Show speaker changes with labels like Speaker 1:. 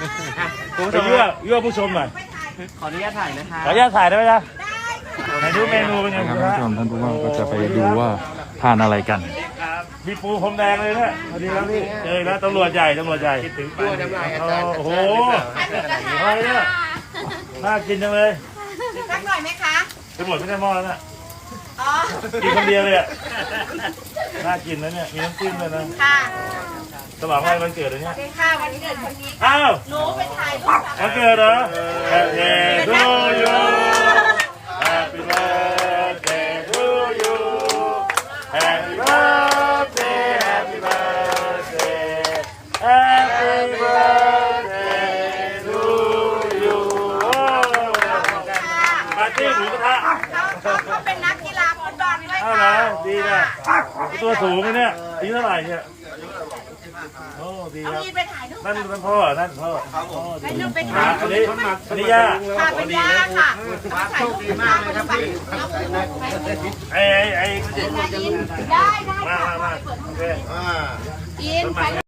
Speaker 1: ไปยั่วผู้ชมหน่อย
Speaker 2: ขออนุญาตถ่ายนะคะ
Speaker 1: ขออนุญาตถ่ายได้ไหมจ๊ะไหนดูเมนูเป็นไง
Speaker 3: นะครับท่านผู้ชมท่านผู้ว่าก็จะไปดูว่าทานอะไรกัน
Speaker 1: มีปูพรมแดงเลยเนี่ยสวัสดีครับพี่แล้วตำรวจใหญ่คิดถึงตัวน้ำลายอาจารย์โอ้โหอะไรเนี่ยน่ากินจังเลย
Speaker 4: สักหน่อยไหมคะ
Speaker 1: จะหมดไม่ได้หม้อแล้วน่ะ
Speaker 4: อ๋อ
Speaker 1: กินคนเดียวเลยอ่ะน่ากินนะเนี่ยมีน้ำจิ้มด้วยนะ
Speaker 4: ค่ะ
Speaker 1: ฉลองอะไรวันเกิดอะไรเนี่ย
Speaker 4: เป็นค่ะวันเกิดคนนี้
Speaker 1: อ้าว
Speaker 4: หนูไปถ่ายรูป
Speaker 1: วันเกิดเหรอ Happy to you Happy birthday to you Happy birthday Happy birthday Happy birthday to you ปาร์ตี้หมูกระทะ
Speaker 4: เขาเป็นนักกีฬาฟุตบอลด้วย
Speaker 1: อ้าวเหร
Speaker 4: ค่ะ
Speaker 1: อดีนะตัวสูงเลยเนี่ยอายุเท่าไหร่เนี่ยโอ้ดี
Speaker 4: เอา
Speaker 1: ครับ
Speaker 4: มีนไปถ่ายรูป
Speaker 1: นั่นพ่อนั่นพ่อ
Speaker 4: ไปรูปไปถ่าย
Speaker 1: อันนี้ย่า
Speaker 4: ค่ะเป็นย่าค่ะถ่ายรูปดีมากเลยครับ
Speaker 1: ไอ้
Speaker 4: ได้ได้
Speaker 1: มาโอเค
Speaker 4: อิน